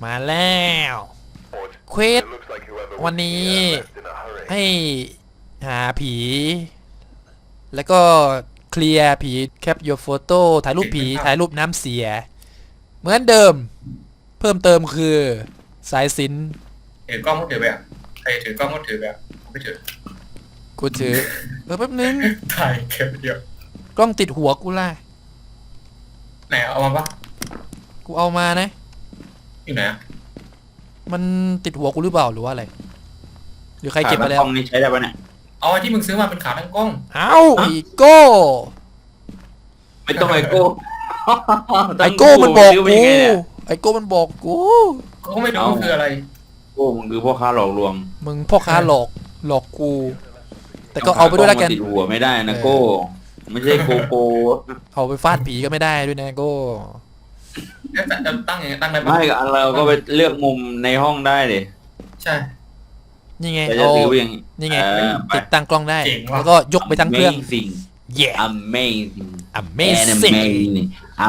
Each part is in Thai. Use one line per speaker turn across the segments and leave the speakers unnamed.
มาแล้วเควสวันนี้ให้หาผี แล้วก็เคลียร์ผีแคป your photo ถ่ายรูปผีถ่ายรูปน้ำเสีย เหมือนเดิม เพิ่มเติมคือสายสิญจน์
ถือกล้องก็ถือไปอ่ะใครถือกล้องก็ถือไปอ่ะผมไม่ถือ
กูถือแป๊บนึง
ถ่ายเก็บเดียว
กล้องติดหัวกูล่ะ
ไหนเอามาปะ
กูเอามานะ
อยู่ไหนอ่ะ
มันติดหัวกูหรือเปล่าหรือว่าอะไรหรือใครเก็บไปแล้ว
กล้องนี้ใช้ได้ปะเนี่ย
เอาไอ้ที่มึงซื้อมาเป็นขาตั้งกล้อง
เอ้าอีโก้
ไม่ต้องไอโก้
ไอโก้มันบอกกูไอโก้มันบอกกู
ก็ไม่รู้คืออะไร
โก้มึงคือพ่อค้าหลอกลวง
มึงพ่อค้าหลอกกู แต่ก็เอาไปด้วยแล้วกัน
ติดหัวไม่ได้นะโก้ไม่ใช่โกโก้
เอาไปฟาดผีก็ไม่ได้ด้วยนะโก้
จะตั้งยังไงตั้งได้ปะ
ไม่เราก็ไปเลือกมุมในห้องได้เลย
ใช่
นี่ไง
เอา
นี่ไงติดตั้งกล้องได้แล้วก็ยกไปทั้งเครื่อง
amazing
amazing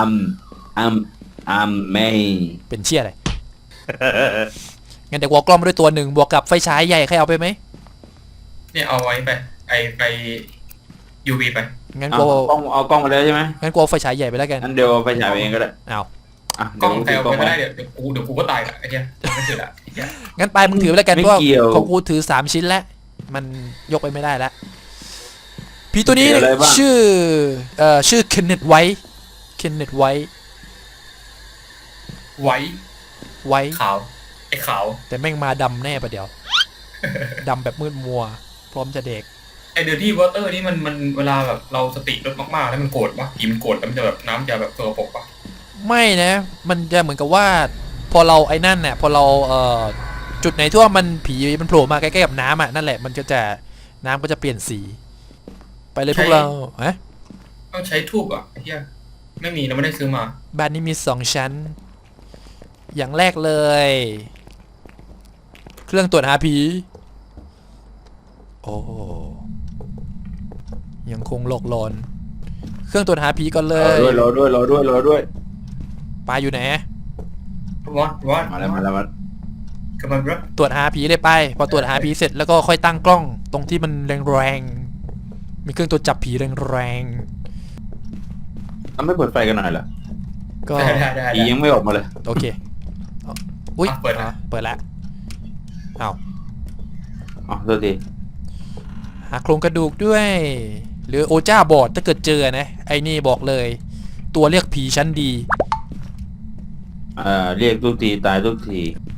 amazing
เป็นเชี่ยอะไรงั้นเดี๋ยววอกกล้องมาด้วยตัวหนึ่งบวกกับไฟฉายใหญ่ใครเอาไปไหม
เนี่ยเอาไว้ไป UV ไป
งั้น
กูเอากล้องมาแล้วใช่ไหม
งั้นกูเอาไฟฉายใหญ่ไปแล้วกัน
งั้นเดี๋ยวไฟฉายเองก็ได้
เอา
กล้องใครเอาไปได้เดี๋ยวกูก็ตายละไอ้เหี้ยไม่เสร็จละ
งั้นไปมึงถือไปแล้วกันเพราะของกูถือ3ชิ้นแล้วมันยกไปไม่ได้แล้วผีตัวนี้ชื่อเคนเนตไวท์
ขาวไอ้ขาว
แต่แม่งมาดำแน่ปะเดี๋ยวดำแบบมืดมัวพร้อมจะเด็ก
ไอเดอร์ที่วอเตอร์นี่มันเวลาแบบเราสติลดมากๆแล้วมันโกรธปะผีมันโกรธแล้วมันจะแบบน้ำจะแบบตัวปกปะ
ไม่นะมันจะเหมือนกับว่าพอเราไอ้นั่นเนี่ยพอเราจุดไหนที่ว่ามันผีมันโผล่มาใกล้ๆกับน้ำอ่ะนั่นแหละมันก็จะน้ำก็จะเปลี่ยนสีไปเลยพวกเราฮะ
ต้องใช้ทูบอ่ะไอ้เหี้ยไม่มีเราไม่ได้ซื้อมา
บ้านนี้มี2 ชั้นอย่างแรกเลยเครื่องตรวจหาผีโอ้ยังคงหลอกหลอนเครื่องตรวจหาผีก่อนเลย
รอด้วย
ปลาอยู่ไหน
วัด
มาแล้ว
กำลังรับ
ตรวจหาผีเลยไปพอตรวจหาผีเสร็จแล้วก็ค่อยตั้งกล้องตรงที่มันแรงๆมีเครื่องตรวจจับผีแรง
ๆไม่เปิดไฟกันหน่อยเหรอ
ก็
ผียังไม่ออกมาเลย
โอเคอุ้ยเปิดแล้วเอา
ตัวที
หาโครงกระดูกด้วยหรือโอจ้าบอดถ้าเกิดเจอนะไอ้นี่บอกเลยตัวเรียกผีชั้นดี
เรียกทุกทีตายทุกที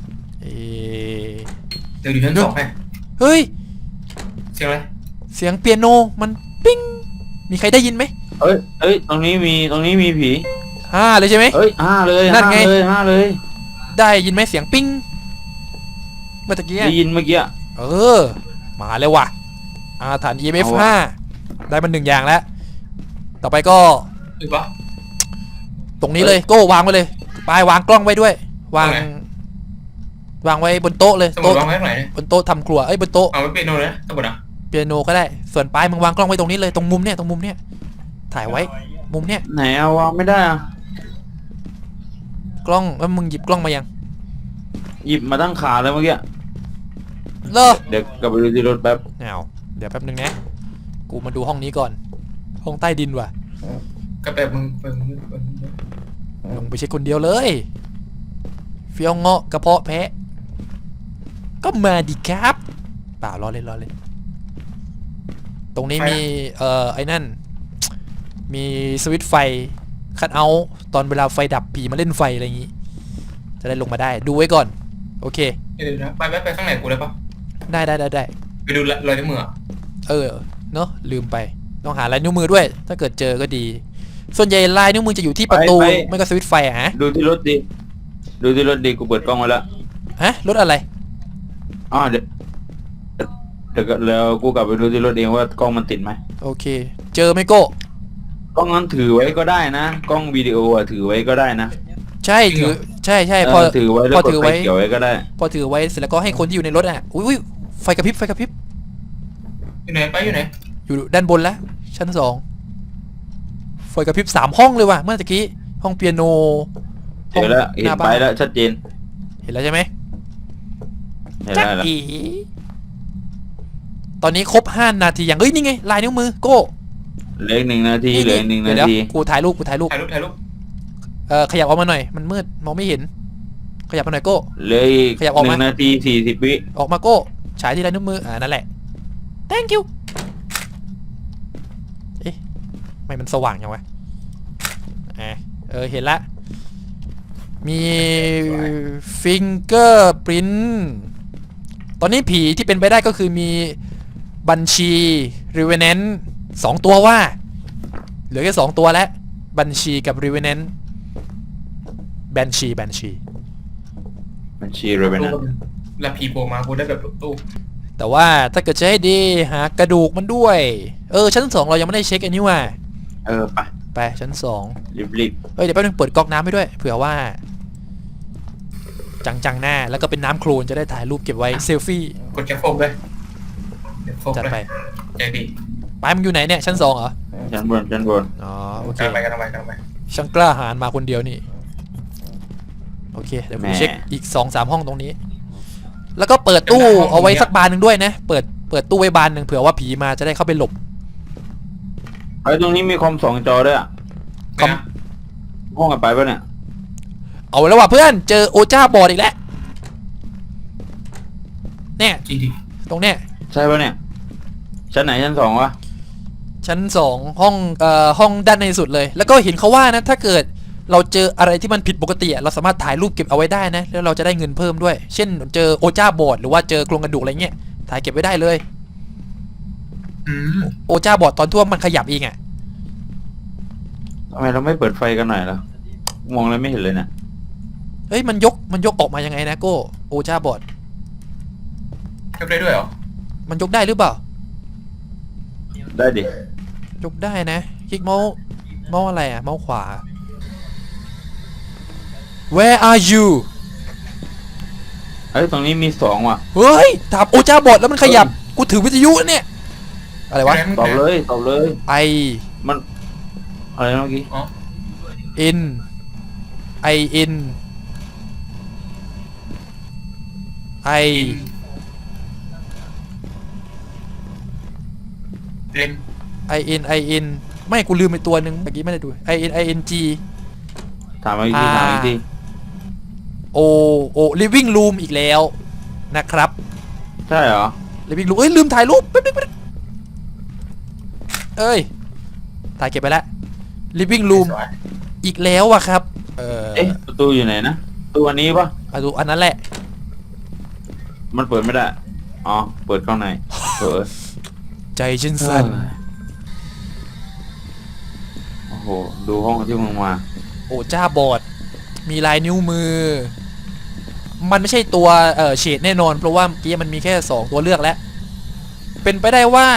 เดี๋ยวดูชั้น2ให้
เฮ้ย
เสียงอะไร
เสียงเปียโนมันปิ้งมีใครได้ยินไหม
เอ้ยตรงนี้มีผี
5เลยใช่ไหม
5เลย
นั่นไง
5เลย
ได้ยินไหมเสียงปิ้งเมื่อกี้
ได้ยินเมื่อกี้
มาเลยว่ะอาถรรพ์ EMF 5ได้มัน1อย่างแล้วต่อไปก็ตรงนี้เลยโก้วางไว้เลยไปวางกล้องไว้ด้วยวางไว้บนโต๊ะเลย
โต๊ะวางไว้ไหน
บนโต๊ะทำครัวบนโต๊ะ
เอาไว้เปียโนเลยสมุดอ่ะ
เปียโนก็ได้ส่วนปลายมึงวางกล้องไว้ตรงนี้เลยตรงมุมเนี้ยถ่ายไว้มุมเนี้ย
ไหนเอาวางไม่ได้อะ
กล้องแล้วมึงหยิบกล้องมายัง
หยิบมาตั้งขาเลยเมื่อกี้เดี๋ยวกลับไปดูที่รถแป๊บ
เดี๋ยวแป๊บนึงนะกูมาดูห้องนี้ก่อนห้องใต้ดินว่ะ
ก็แบบมึง
ลงไปเช็คคนเดียวเลยเฟี้ยวเงาะกระเพาะแพะก็มาดิครับเปล่ารอเลยตรงนี้มีไอ้นั่นมีสวิตช์ไฟคัทเอาท์ตอนเวลาไฟดับผีมาเล่นไฟอะไรอย่างงี้จะได้ลงมาได้ดูไว้ก่อนโอเค
เดี๋ยวนะไปข้างไหนกูได้ปะ
ได้
ไปดูรอยนิ้วมือ
เนอะลืมไปต้องหาลายนิ้วมือด้วยถ้าเกิดเจอก็ดีส่วนใหญ่ลายนิ้วมือจะอยู่ที่ประตูไม่ก็สวิตช์ไฟฮะ
ดูที่รถดีกูเปิดกล้องไว้แล้ว
ฮะรถอะไร
เดี๋ยวแล้วกูกลับไปดูที่รถเองว่ากล้องมันติดไหม
โอเคเจอไหมโก้
กล้องนั้นถือไว้ก็ได้นะกล้องวิดีโอถือไว้ก็ได้นะ
ใช่ถือใช่พอ
ถือไว้เกี่ยวไว้ก็ได้
พอถือไว้เสร็จแล้วก็ให้คนที่อยู่ในรถอุ้ยไฟกระพริบ
อยู่ไหน
อยู่ด้านบนแล้วชั้น2ไฟกระพริบ3 ห้องเลยว่ะเมื่อกี้ห้องเปียโน
เจอแล้วเห็นไปแล้วชัดเจน
เห็นแล้วใช่ไหม
เห็น
จ๊ะ
แล้ว
อีตอนนี้ครบ5 นาทีอย่างเอ้ยนี่ไงลายนิ้วมือโก้
เหลืออีก1 นาทีเหลืออีก1 นา
เดี๋ยว
ที
กูถ่ายรูปกูถ่ายรูป
ถ่ายรูป
ขยับออกมาหน่อยมันมืดมองไม่เห็น ขยับมาหน่อยโก้
เหลืออีก
ขยับออกมา
1 นาที 40 วิ
ออกมาโก้ฉายที่ลายนิ้วมือนั่นแหละ thank you เอ๊ะไม่มันสว่างยังวะเห็นละมีฟิงเกอร์ปรินตอนนี้ผีที่เป็นไปได้ก็คือมีบัญชีรีเวเนนต์2 ตัวว่าเหลือแค่2 ตัวแล้วบัญชีกับรีเวเนนต์แบนชี
มันชีเรเวน
ตู้
นะ
แล้วผีโผล่มากูได้แบบตู้
แต่ว่าถ้าเกิดจะให้ดีหากระดูกมันด้วยชั้น 2เรายังไม่ได้เช็คอันนี้ว่ะ ไปชั้น 2
รีบ
เดี๋ยวแป๊บนึงเปิดก๊อกน้ำให้ด้วยเผื่อว่า จังหน้าแล้วก็เป็นน้ำโคลนจะได้ถ่ายรูปเก็บไว้เซลฟี่
กดแคปโฟมเลยเดี๋ยวโฟม
จัด
เลย
ไป
ใจดี
ไปมึงอยู่ไหนเนี่ยชั้น 2เหรอ
ๆชั้นบน
อ๋อโอเค
กำลังไปกำลังไป
ช่างกล้าหาญมาคนเดียวนี่โอเคเดี๋ยวผมเช็คอีก 2-3 ห้องตรงนี้ แล้วก็เปิดตู้เอาไว้สักบานหนึ่งด้วยนะเปิดตู้ไว้บานหนึ่งเผื่อว่าผีมาจะได้เข้าไปหลบ
ไอ้ตรงนี้มีคอม2 จอด้วยอะ
คอม
ห้องกันไปปะเนี่ย
เอาแล้วว่ะเพื่อนเจอโอจ้าบอดอีกแล้วเนี่ย
จริง
ตรงเนี้ย
ใช่ปะเนี่ยชั้นไหนชั้น 2วะ
ชั้น 2ห้องด้านในสุดเลย แล้วก็เห็นเขาว่านะถ้าเกิดเราเจออะไรที่มันผิดปกติเราสามารถถ่ายรูปเก็บเอาไว้ได้นะแล้วเราจะได้เงินเพิ่มด้วย เช่นเจอโอจ้าบอดหรือว่าเจอโครงกระดูกอะไรเงี้ยถ่ายเก็บไว้ได้เลย โอจ้าบอดตอนทั่วมันขยับเองอ่ะ
ทำไมเราไม่เปิดไฟกันหน่อยล่ะมองแล้วไม่เห็นเลยเนี่ย
เฮ้ยมันยกออกมายังไงนะโก้โอจ้าบอด
ยกได้ด้วยเหรอ
มันยกได้หรือเปล่า
ได้ดิ
ยกได้นะคลิกเมาส์อะไรอะเมาส์ขวา Where are you
เอ้ยตรงนี้มี2ว่ะ
เฮ้ยถามโอจ้าบอดแล้วมันขยับกูถือวิทยุเนี่ยอะไรวะ
ตอบเลย
I
มันอะไรนะเมื่อกี้
N I N I
เล่น
I N I N ไม่กูลืมไปตัวหนึ่งเมื่อกี้ไม่ได้ดู I N I N G
ถามอีกที
O living room อีกแล้วนะครับ
ใช่เหรอ
living room ลืมถ่ายรูปแป๊บนึงถ่ายเก็บไปแล้ว living room อีกแล้วอะครับ
เอ๊ะประตูอยู่ไหนนะประตูอันนี้ปะ
ดูอันนั้นแหละ
มันเปิดไม่ได้อ๋อเปิดข้างในเปิด
ใจฉันสั่น
โอ้โหดูห้องที่มึงมา
โอ้จ้าบอดมีลายนิ้วมือ มันไม่ใช่ตัวเฉดแน่นอนเพราะว่าเมื่อกี้มันมีแค่2 ตัวเลือกแล้วเป็นไปได้ว่า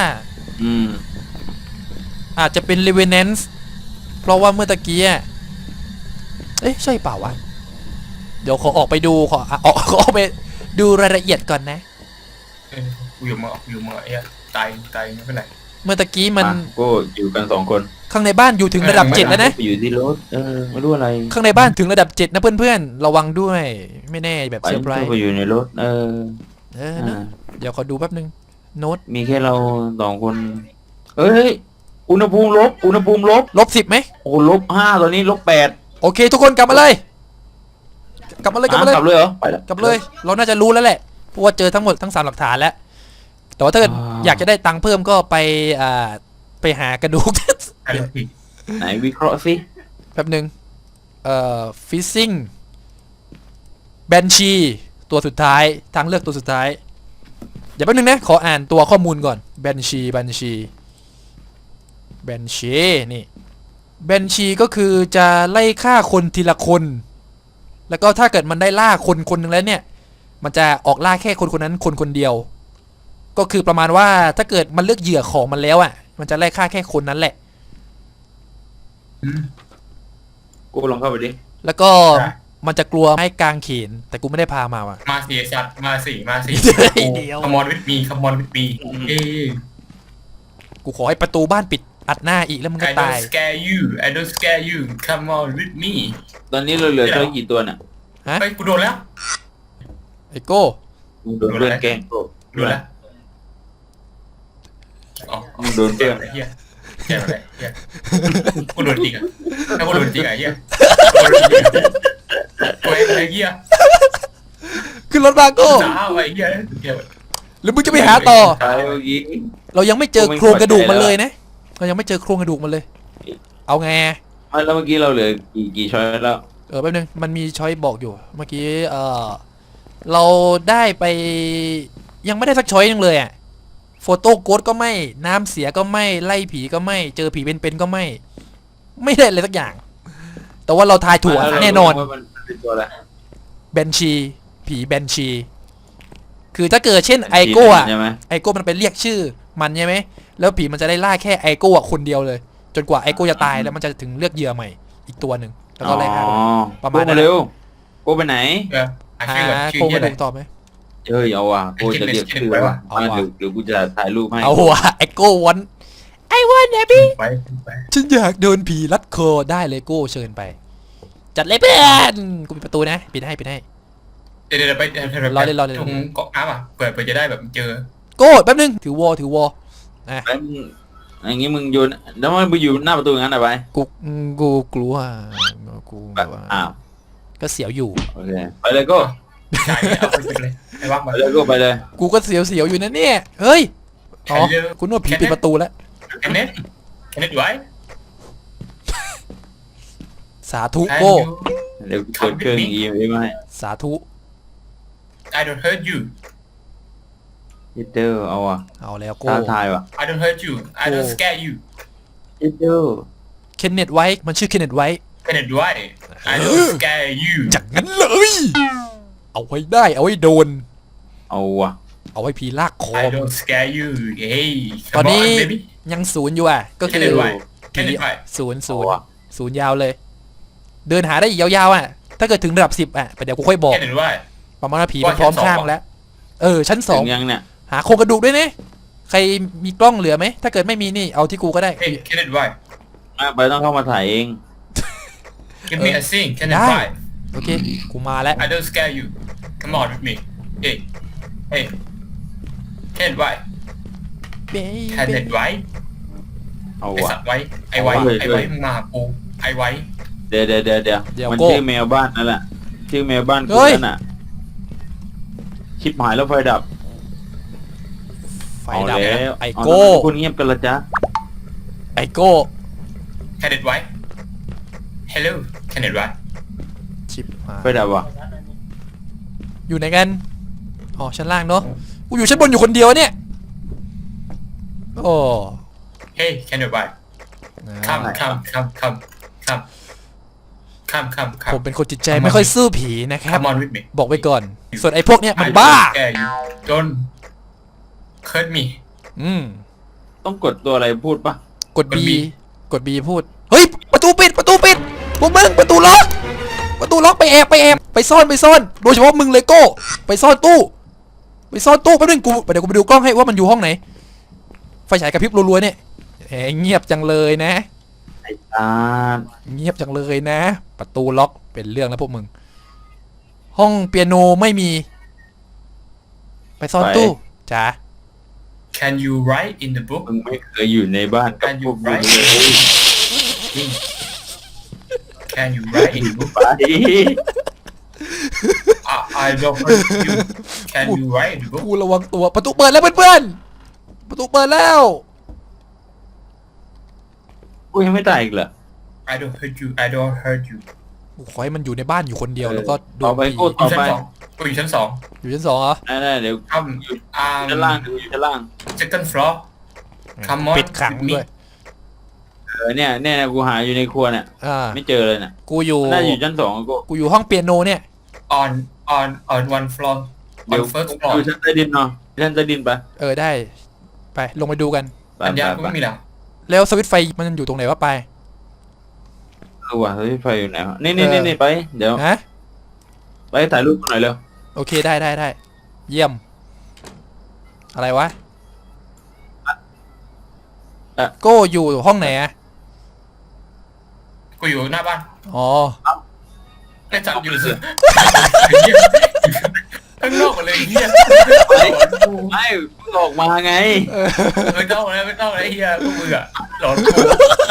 อาจจะเป็น Revenant เพราะว่าเมื่อตะกี้ใช่เปล่าวะเดี๋ยวขอออกไปดูขอออกไปดูรายละเอียดก่อนนะ
กูอยู่เมืองไอ้ตายไม่เป็นไร
เมื่อตะกี้มัน
ก็อยู่กัน2 คน
ข้างในบ้านอยู่ถึงระดับ 7แล้วนะ
อยู่ที่รถไม่รู้อะไร
ข้างในบ้านถึงระดับ 7นะเพื่อนๆระวังด้วยไม่แน่แบบ
ไป
เซอร์ไพรส์
ไปอยู่ในรถ
นะเดี๋ยวขอดูแป๊บนึงโน้ต
มีแค่เรา2 คนเฮ้ยอุณหภูมิลบ
-10ไหม
โอ้-5ตอนนี้-8
โอเคทุกคนกลับมาเลยกลับมาเลย
กลับเลยเหรอไปแล้ว
กลับเลยเราน่าจะรู้แล้วแหละเพราะว่าเจอทั้งหมดทั้ง3 หลักฐานแล้วแต่ว่าถ้าเกิดอยากจะได้ตังค์เพิ่มก็ไปหากระดูก
ถ่ายรูปผี
ไหนวิเคราะห์สิ
แป๊บนึงฟิซซิ่งแบนชีตัวสุดท้ายทางเลือกตัวสุดท้ายเดี๋ยวแป๊บนึงนะขออ่านตัวข้อมูลก่อนแบนชีนี่แบนชีก็คือจะไล่ฆ่าคนทีละคนแล้วก็ถ้าเกิดมันได้ล่าคนหนึ่งแล้วเนี่ยมันจะออกล่าแค่คนนั้นคนเดียวก็คือประมาณว่าถ้าเกิดมันเลือกเหยื่อของมันแล้วมันจะไล่ฆ่าแค่คนนั้นแหละ
กูลองเข้าไปดิ
แล้วก็มันจะกลัวไม้กางเขนแต่กูไม่ได้พามาว่ะ
มาสี่ชัดมาสี่
เดี๋ยว
คอมมอนวิดมี
กูขอให้ประตูบ้านปิดอัดหน้าอีกแล้วมึงก็
I
ตาย
don't scare you come on with me
ตอนนี้เราเหลือเท่ากี่ตัวเนี่ย
ฮะ
เฮ้ยกูโดนแล้ว
ไอโก้
มึงโดนเพื่อนแกล้งโก้
รู้แล้วอ๋อ
มึงโดน
เจ็
เพื่อน
บอะไรเฮียเจ็บอะไรเฮียกูโดนจริงอ่ะถ้ากูโดนจริงอ่ะเฮียกูเองไอ้เฮีย
ขึ้นรถมาโก้
จ้าไอ้เฮียเฮีย
หรือมึงจะไปหาต่อ
ตายเมื่อกี้
เรายังไม่เจอโครงกระดูกมันเลยนะเรายังไม่เจอโครงกระดูกมันเลย เอาไง
ไม่แล้วเมื่อกี้เราเหลือกี่ช้อยแล้ว
แป๊บนึงมันมีช้อยบอกอยู่เมื่อกี้เราได้ไปยังไม่ได้สักช้อยนึงเลยอ่ะโฟโต้โกดก็ไม่น้ำเสียก็ไม่ไล่ผีก็ไม่เจอผีเป็นๆก็ไม่ได้เลยสักอย่าง แต่ว่าเราทายถูกอะแน่นอน
ว่ามันเป็นตัวอะไร
แบนชีผีแบนชีคือถ้าเกิดเช่นไอโก้อะ
ใช่ไหม
ไอโก้มันไปเรียกชื่อมันใช่ไหมแล้วผีมันจะได้ล่าแค่ไอโก้อะคนเดียวเลย จนกว่าไอโก้จะตายแล้วมันจะถึงเลือกเหยื่อใหม่อีกตัวหนึ่งแล้วก็ไล่ฆ่า
อ๋อ
ประมาณนั้น
โก้เร็วโก้ไปไหน
หาชื่อก่อนชื่อ
โครง
เฮี
ก
ย
ระ
อะไร
ดูกตอบไหม
เฮ้ยเอาว่ะโก้จะเรียกชื่อว่ะ
เอา
มา
ว่ะ
เดี๋ยวกูจะถ่ายรูปให้
เอาว่ะไอโก้วันไอวันนะพี่
ไป
ฉันอยากโดนผีลัดคอได้เลยโก้เชิญไป จัดเลยเพื่อนกูปิดประตูนะปิดให้ปิดให้
เดี๋ยวไปตรงเกาะน้ำอ่ะเปิดจะได้แบบเจอ
โก้แป๊บนึงถือวอนะ
แล้วมึงอย่างงี้มึงโยนแล้วมันไปอยู่หน้าประตูงั้นอะไป
กูกลัวกูแบบว่า
อ้าว
ก็เสียวอยู่
โอเคไปเลยโก้
จ่ายเอาไปเลยไอ้ว่าง
ไป
มา
เลยโก้ไปเลย
กูก็เสียวอยู่นะเนี่ยเฮ้ยอ๋อคุณนึกว่าผีปิดประตูแล้ว
แค่นี้ไว้
สาธุโก้
เดี๋ยวเปิดเครื่องอีเอ็มให้
สาธุ
I don't hurt you
ฮิตเตอร์เอาว่ะ
เอาแล้วโก้
ท้าทายว่ะ
I don't hurt you I don't scare you
ฮิตเตอร์
เคนเนตไว้มันชื่อเคนเนตไว้
แค่นี้ไว้ I don't scare you
จากนั้นเลย เอาไว้ได้เอาไว้โดน
เอาว่ะ
เอาไว้ผีลากคอ
I don't scare you hey
ตอน
come
นี้
on baby
ยังศูนย์อยู่อ่ะก็
แค่
คือ
นี้ไว้ แค่
ผี
นี้ไว้
ศูนย์
เอาว่ะ
ศูนย์ยาวเลย เดินหาได้อีกยาวๆอ่ะถ้าเกิดถึงระดับ10อ่ะเดี๋ยวกูค่อยบอก
แค่นี้ไว้
ประมาณว่าผีมันพร้อมข้างแล้วชั้นส
ถึ
อง
งยังเนี่ย
หาโครงกระดูกด้วยนะใครมีกล้องเหลือไหมถ้าเกิดไม่มีนี่เอาที่กูก็ได้
hey แค่นี้ไว้
ไปต้องเข้ามาถ่ายเอง
give me a sing แค่นี้ไว้
โอเคกูมาแล้ว
I don't scare you come on with me hey hey แค่นี้ไว้แค่นี้ไว้
เอา
ไอ
ว่ะ
สัตว์ไว้ไอไว้ไอไว้มึงมาปูไอไว้
เดี๋ยวมันชื่อแมวบ้านนั่นแหละชื่อแมวบ้านกูนั่นน่ะชิบหายแล้วไฟดับ
ไฟ
เอา
ดับ
แล้ว
ไอโก้
คุณเงียบกันละจ๊ะ
ไอโก้
แค่นี้ไว้ hello แค่นี้ไว้
ชิบหาย
ไฟดับว่ะ
อยู่ไหนกันอ๋อชั้นล่างเนาะกูอยู่ชั้นบนอยู่คนเดียวเนี่ยโอ้
hey แค่นี้ไว้ come
ผมเป็นคนจิตใจไม่ค่อยสู้ผีนะครับ
come on with me
บอกไว้ก่อน ส่วนไอ้พวกเนี้ยมันบ้า
don't hurt me
ต้องกดตัวอะไรพูดปะ
กด B
กด B
กด B พูด เฮ้ย ประตูปิดพวกมึงประตูล็อกไปแอบไปซ่อนโดยเฉพาะมึงเลยโก้ไปซ่อนตู้แป๊บนึงเดี๋ยวกูไปดูกล้องให้ว่ามันอยู่ห้องไหนไฟฉายกระพริบรัวๆเนี่ยเงียบจังเลยนะ
ไอ้ตา
เงียบจังเลยนะ ประตูล็อกเป็นเรื่องแล้วพวกมึง ห้องเปียโนไม่มี ไปซ่อนตู้จ๋า
can you write in the book
มึงไม่เคยอยู่ในบ้านกับพวกมึงเลย
can you write in the book
ไป
I don't hurt you can you write in the book
กูระวังตัวประตูเปิดแล้วเพื่อนๆประตูเปิดแล้ว
กูยังไม่ตายอีกเหรอ
I don't hurt you I don't hurt you
กูขอให้มันอยู่ในบ้านอยู่คนเดียวแล้วก็โด
ต่อน ไป
ผี
กูต่อไป
กูอยู่ชั้นสอง
อยู่ชั้น 2เหรอ
ได้เดี๋ยว
ทำ
ชั้นล่างอยู่ชั้นล่าง
second floor come on
ปิดขังด้วย
เนี่ยกูหาอยู่ในครัวเนี่ย ไม่เจอเลยเนี่ย
กูอยู่
น่าอยู่ชั้น2กู
อยู่ห้องเปียโนเนี่ย
on one floor
เดี๋ยว
on first floor
อยู่ชั้นใต้ดินเนาะชั้นใต้ดินไป
ได้ไปลงไปดูกัน
สัญญาณกูไม่มีแล้ว
แล้วสวิตช์ไฟมันอยู่ตรงไหนวะไป
รู้ว่าไฟอยู่ไหนวะนี่ไปเดี๋ยว
ฮะ
ไปถ่ายรูปหน่อยเร็ว
โอเคได้เยี่ยม อะไรวะโก้อยู่ห้องไหนอะ
กูอยู่หน้าบ้าน
อ๋อ
ไอ้จับอยู่ ข้างนอ
เพิ่งออกมาไง
ไม่ต้องแล้วไม่ต้องแล้วไอ้เหี้ยพวกมึงอะหลอนกู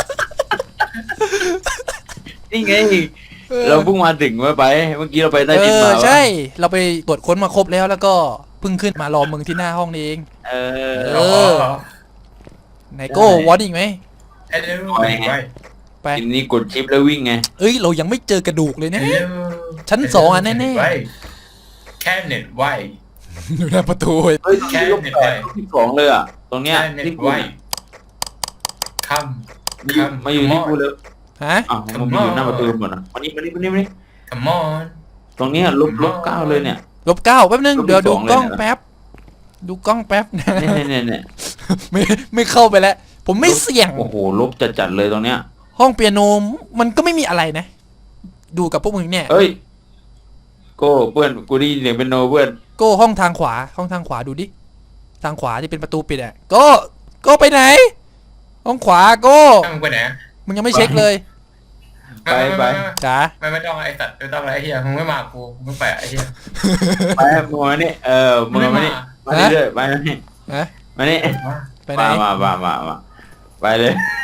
นี่ไง เราเพิ่งมาถึงเมื่อกี้เราไปใต้ดินมา
ใช่ เราไปตรวจค้นมาครบแล้วก็เพิ่งขึ้นมารอมึงที่หน้าห้องนี่เอง
เอ
เอ
อ
อ ไหนโก้วอนอีกไหม
ไอ้เรื่องไว้
ไป
ทีนี้กดชิปแล้ววิ่งไง
เอ้ยเรายังไม่เจอกระดูกเลยนะ ชั้น 2อ่ะแน่ๆ
แค่เน็ตไว้
อยู่หน้าประตู
เฮ้ยตรงนี้ลบแปดลบ12เลยอ่ะตรงเนี้ย
แค่เน็ต
ที่กู
ไว้ค
มาอยู่ที่กูเลย
ฮะ
อ้าวมันอยู่หน้าประตูหมดอ่ะมานี่
ำ come on
ตรงเนี้ยลบ9เลยเนี่ย
-9แป๊บนึง
ลบ
เดี๋ยวดู
12
กล้อง
เลยนะ
แป๊บ ดูกล้องแป๊บนะ
เนี่ย
ไม่เข้าไปแล้ว ผมไม่เสี่ยง
โอ้โหลบจัดเลยตรงเนี้ย
ห้องเปียโนมันก็ไม่มีอะไรนะ ดูกับพวกมึงเนี่ย
เฮ้ยโก้เพื่อนกูได้ยินเสียงเป็นโนเพื่อน
โก้ห้องทางขวา ห้องทางขวาดูดิ ทางขวาที่เป็นประตูปิดอ่ะโก้ไปไหน ห้องขวาโก้
ถ้ามึงไปไหน
มึงยังไม่เช็คเลย
ไป
จ๋า
ไม่ต้องไอ้สัตว์ไม่ต้องอะไรไอ้เหี้ยมึงไม่มากูมึงไปไอ้เหี้ย
ไปมึงมานี่มึงมานี่มานี่เลยไปนี่
ฮะ
มานี่
ไปไหน
มาไปเลย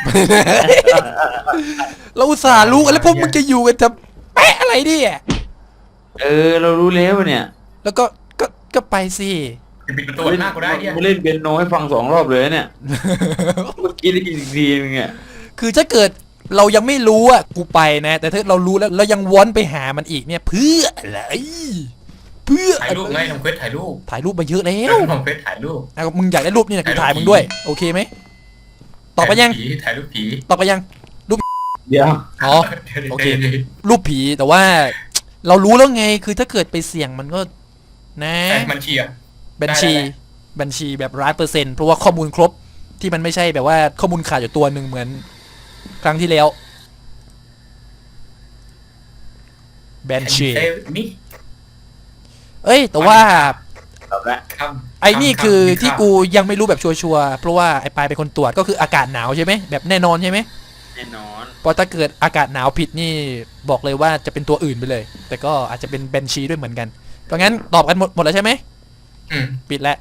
เราอุตส่าห์รู้กันแล้วพวกมึงจะอยู่กันจะแปะอะไรดิ
เรารู้แล้วเนี่ย
แล้วก็ไปสิ
จะปิดประตูหน้ากูได้เหี้ย
มึงเล่นเปียโนให้ฟัง2 รอบเลยเนี่ยเมื่อกี้ได้ยินอีกทีนึงเนี่ย
คือถ้าเกิดเรายังไม่รู้อ่ะกูไปนะ แต่ถ้าเรารู้แล้วเรายังวนไปหามันอีกเนี่ย เพื่ออะไรเพื่อ
ถ่ายรูปไงทำเควสถ่ายรูป
ถ่ายรูปมาเยอะแล้ว
ทำเควสถ่ายรูป
มึงอยากได้รูปนี่นะกูถ่ายมึงด้วยโอเคไหมตอบไปยัง
ถ่ายรูปผี
ตอบไปยัง
เดี๋ยว
อ๋อ โอเค รูปผีแต่ว่า เรารู้แล้วไงคือถ้าเกิดไปเสี่ยงมันก็ นะ
มันเชียร์
บัญชีแบบ100%เพราะว่าข้อมูลครบที่มันไม่ใช่แบบว่าข้อมูลขาดอยู่ตัวหนึ่งเหมือนครั้งที่แล้วบัญชี
นี่
เอ้ยแต่ว่า
ตอบแล้ว
ไอ้นี่คือที่กูยังไม่รู้แบบชัวร์ๆเพราะว่าไอ้ปายเป็นคนตรวจก็คืออากาศหนาวใช่ไหมแบบแน่นอนใช่ไหม
แน่นอน
เพราะถ้าเกิดอากาศหนาวผิดนี่บอกเลยว่าจะเป็นตัวอื่นไปเลย แต่ก็อาจจะเป็นบัญชีด้วยเหมือนกันเพราะงั้นตอบกันหมดแล้วใช่ไหมปิดแล้ว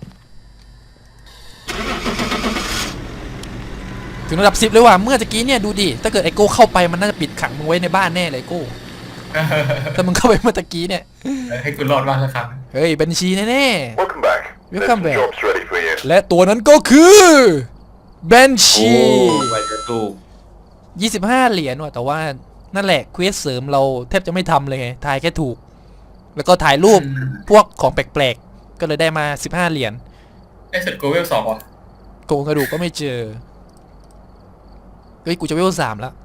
ถึงระดับ10เลยว่ะเมื่อตะกี้เนี่ยดูดิถ้าเกิดไอโก้เข้าไปมันน่าจะปิดขังมึงไว้ในบ้านแน่เลยไอโก้ถ้ามึงเข้าไปเมื่อตะกี้เนี่ย
ให้กูรอดบ้างสักครั้ง
เฮ้ยบัญชีแน่
Welcome back. There's
Welcome
some
back.
jobs ready for you.
ๆและตัวนั้นก็คือบัญชี
ไปจะถูก
25 เหรียญว่ะแต่ว่านั่นแหละเควสเสริมเราแทบจะไม่ทำเลยไงทายแค่ถูก แล้วก็ถ่ายรูปพวกของแปลกๆก็เลยได้มา15 เหรียญ
ไอ้สุดกูเวล2ว่ะ
โกงกระดูกก็ไม่เจอเฮ้ยกูจะเวล3แล้ว